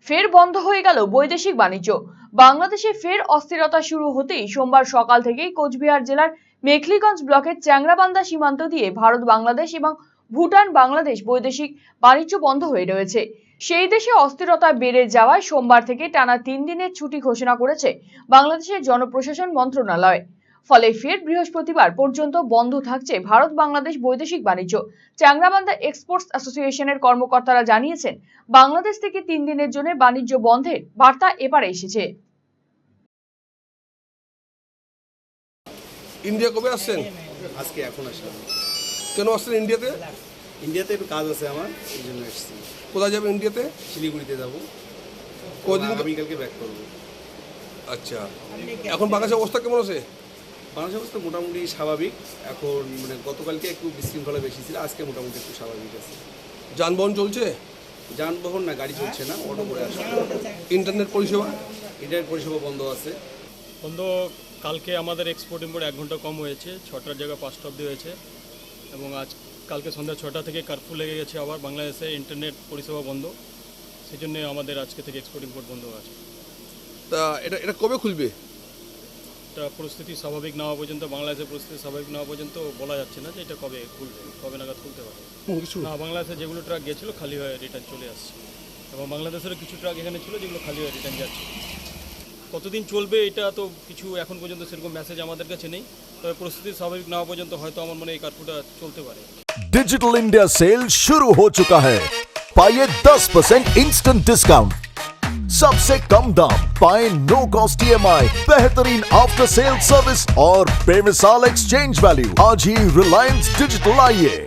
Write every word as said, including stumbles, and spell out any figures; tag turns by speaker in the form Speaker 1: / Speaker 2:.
Speaker 1: ফের বন্ধ হয়ে গেল বৈদেশিক বাণিজ্য। বাংলাদেশে ফের অস্থিরতা শুরু হতেই সোমবার সকাল থেকেই কোচবিহার জেলার মেখলিগঞ্জ ব্লকের চ্যাংরাবান্ধা সীমান্ত দিয়ে ভারত বাংলাদেশ এবং ভুটান বাংলাদেশ বৈদেশিক বাণিজ্য বন্ধ হয়ে রয়েছে। সেই দেশে অস্থিরতা বেড়ে যাওয়ায় সোমবার থেকে টানা তিন দিনের ছুটি ঘোষণা করেছে বাংলাদেশের জনপ্রশাসন মন্ত্রণালয়। ফলে ফের বৃহস্পতিবার পর্যন্ত বন্ধ থাকছে ভারত বাংলাদেশ বৈদেশিক বাণিজ্য। চ্যাংরাবান্ধা এক্সপোর্টস অ্যাসোসিয়েশনের কর্মকর্তারা জানিয়েছেন, বাংলাদেশ থেকে তিন দিনের জন্য বাণিজ্য বন্ধের বার্তা এবারে এসেছে।
Speaker 2: ইন্ডিয়া কবে আসছেন?
Speaker 3: আজকে এখন আসলাম।
Speaker 2: কেন আসছেন ইন্ডিয়াতে?
Speaker 3: ইন্ডিয়াতে একটু কাজ আছে আমার, এই জন্য এসেছি।
Speaker 2: কোথায় যাবেন ইন্ডিয়াতে?
Speaker 3: শিলিগুড়িতে যাবো।
Speaker 2: কদিন?
Speaker 3: আগামীকালকে ব্যাক করবো।
Speaker 2: আচ্ছা, এখন বাংলাদেশের অবস্থা কেমন আছে?
Speaker 3: বাংলাদেশের অবস্থা মোটামুটি স্বাভাবিক। এখন মানে গতকালকে একটু বিশৃঙ্খলা বেশি ছিল, আজকে মোটামুটি একটু স্বাভাবিক আছে।
Speaker 2: যানবাহন চলছে?
Speaker 3: যানবাহন না, গাড়ি চলছে না, অটো করে আসছে।
Speaker 2: ইন্টারনেট পরিষেবা?
Speaker 3: ইন্টারনেট পরিষেবা বন্ধ আছে।
Speaker 4: বন্ধ। কালকে আমাদের এক্সপোর্ট ইম্পোর্ট এক ঘন্টা কম হয়েছে, ছটার জায়গায় পাঁচটা অবধি হয়েছে। এবং আজ কালকে সন্ধ্যা ছটা থেকে কার্ফু লেগে গেছে আবার বাংলাদেশে ইন্টারনেট পরিষেবা বন্ধ। সেই জন্য আমাদের আজকে থেকে এক্সপোর্ট ইম্পোর্ট বন্ধ আছে।
Speaker 2: তা এটা এটা কবে খুলবে?
Speaker 4: এটা পরিস্থিতি স্বাভাবিক না হওয়া পর্যন্ত, বাংলাদেশের পরিস্থিতি স্বাভাবিক না হওয়া পর্যন্ত বলা যাচ্ছে না যে এটা কবে খুলবে, কবে নাগাদ খুলতে পারে।
Speaker 2: কিছু
Speaker 4: না, বাংলাদেশে যেগুলো ট্রাক গেছিলো খালি হয়ে রিটার্ন চলে আসছে, এবং বাংলাদেশেরও কিছু ট্রাক এখানে ছিল যেগুলো খালি হয়ে রিটার্ন যাচ্ছে। কতদিন চলবে এটা তো কিছু এখন পর্যন্ত সেরকম মেসেজ আমাদের কাছে নেই, তবে পরিস্থিতি স্বাভাবিক না হওয়া পর্যন্ত হয়তো আমার মনে হয় এই কার্ফুটা চলতে পারে।
Speaker 5: डिजिटल इंडिया सेल शुरू हो चुका है। पाइए दस परसेंट इंस्टेंट डिस्काउंट, सबसे कम दाम, पाए no cost E M I, बेहतरीन आफ्टर सेल सर्विस और बेमिसाल एक्सचेंज वैल्यू। आज ही रिलायंस डिजिटल आइए।